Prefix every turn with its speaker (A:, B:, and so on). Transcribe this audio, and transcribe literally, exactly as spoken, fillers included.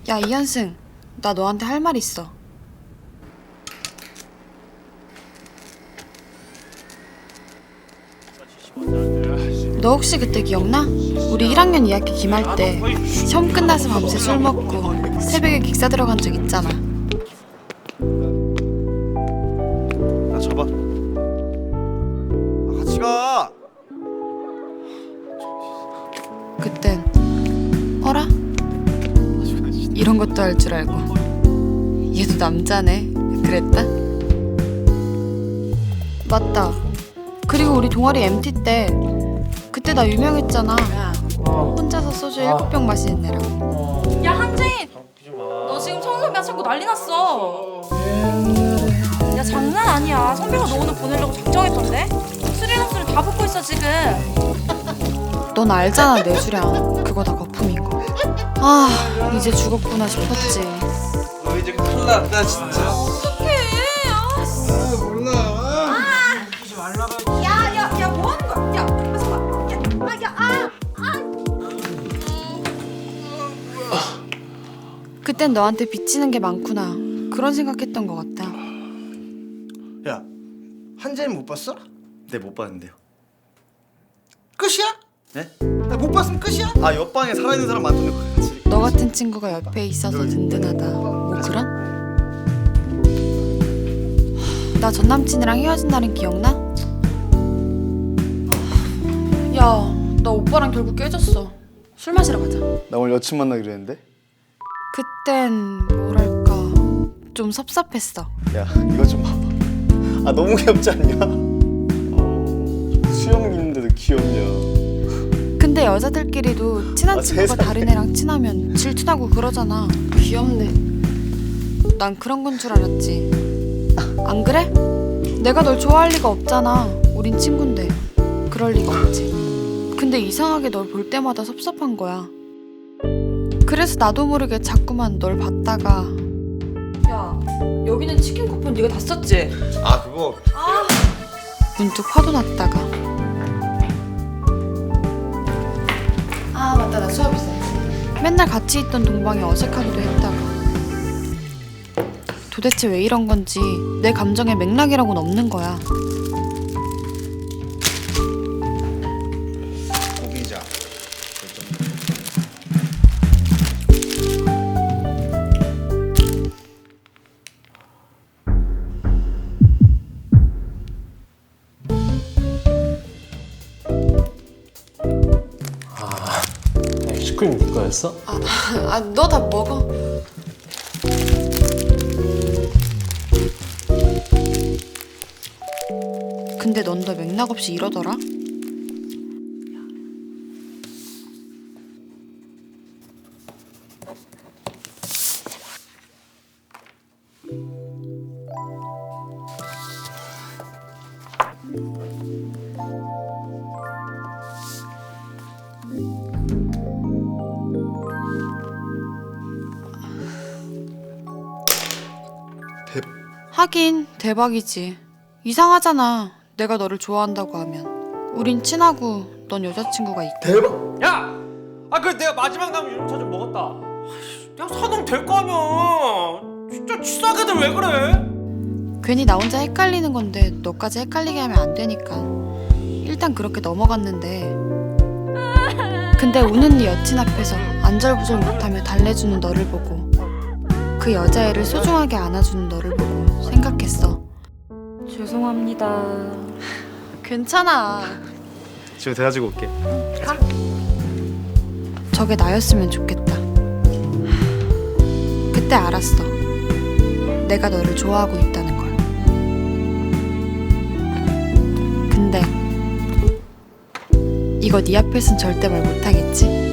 A: 야, 이현승, 나 너한테 할 말 있어. 너 혹시 그때 기억나? 우리 일 학년 이 학기 기말 때 시험 끝나서 밤새 술 먹고 새벽에 기사 들어간 적 있잖아.
B: 나 잡아. 아, 같이 가.
A: 그땐 어라? 이런 것도 할 줄 알고 얘도 남자네 그랬다? 맞다. 그리고 우리 동아리 엠티 때 그때 나 유명했잖아. 혼자서 소주 일곱 병 마시는 애라고.
C: 야 한재인, 너 지금 성선배가 자꾸 난리 났어. 야 장난 아니야. 선배가 너 오늘 보내려고 작정했던데. 술이랑 술을 다 붓고 있어 지금.
A: 넌 알잖아 내 수량 그거 다 거품인 거. 아 이제 죽었구나 싶었지.
B: 너 이제 큰일 났다 진짜.
C: 어떡해. 아,
B: 몰라.
C: 야야야 뭐 하는 거야? 야 잠깐만. 야야 아.
A: 그땐 너한테 빚지는 게 많구나 그런 생각했던 것 같다.
D: 야, 한재는 못 봤어?
B: 네, 못 봤는데요.
D: 끝이야?
B: 네?
D: 나 못 봤으면 끝이야?
B: 아, 옆방에 살아있는 사람 많던데 거기 같이.
A: 너 같은 친구가 옆에 있어서 든든하다 뭐 그런? 나 전 남친이랑 헤어진 날은 기억나? 야, 나 오빠랑 결국 깨졌어. 술 마시러 가자.
B: 나 오늘 여친 만나기로 했는데.
A: 그땐 뭐랄까 좀 섭섭했어.
B: 야, 이거 좀 봐봐. 아, 너무 귀엽지 않냐? 어, 수염 있는데도 귀엽냐?
A: 근데 여자들끼리도 친한
B: 아,
A: 친구가
B: 세상에.
A: 다른 애랑 친하면 질투나고 그러잖아. 귀엽네. 난 그런 건 줄 알았지. 안 그래? 내가 널 좋아할 리가 없잖아. 우린 친군데. 그럴 리가 없지. 근데 이상하게 널 볼 때마다 섭섭한 거야. 그래서 나도 모르게 자꾸만 널 봤다가 야, 여기는 치킨 쿠폰 네가 다 썼지?
B: 아, 그거.
A: 문득 화도 났다가 아 맞다 나 수업 있어. 맨날 같이 있던 동방이 어색하기도 했다가 도대체 왜 이런 건지 내 감정의 맥락이라고는 없는 거야.
B: 고기자.
E: 슈크림 네 거였어?
A: 아 너 다 먹어. 근데 넌 더 맥락 없이 이러더라?
B: 대...
A: 하긴 대박이지. 이상하잖아. 내가 너를 좋아한다고 하면 우린 친하고 넌 여자친구가 있고.
B: 대박!
E: 야! 아 그래 내가 마지막 남은 유림차 좀 먹었다. 야 사놓으면 될 거 아니야. 진짜 치사하게들 왜 그래?
A: 괜히 나 혼자 헷갈리는 건데 너까지 헷갈리게 하면 안 되니까 일단 그렇게 넘어갔는데 근데 우는 네 여친 앞에서 안절부절 못하며 달래주는 너를 보고 그 여자애를 소중하게 안아주는 너를 보고 생각했어.
C: 죄송합니다.
A: 괜찮아.
B: 지금 대가지고 올게.
A: 저게 나였으면 좋겠다. 그때 알았어. 내가 너를 좋아하고 있다는 걸. 근데 이거 네 앞에선 절대 말 못하겠지?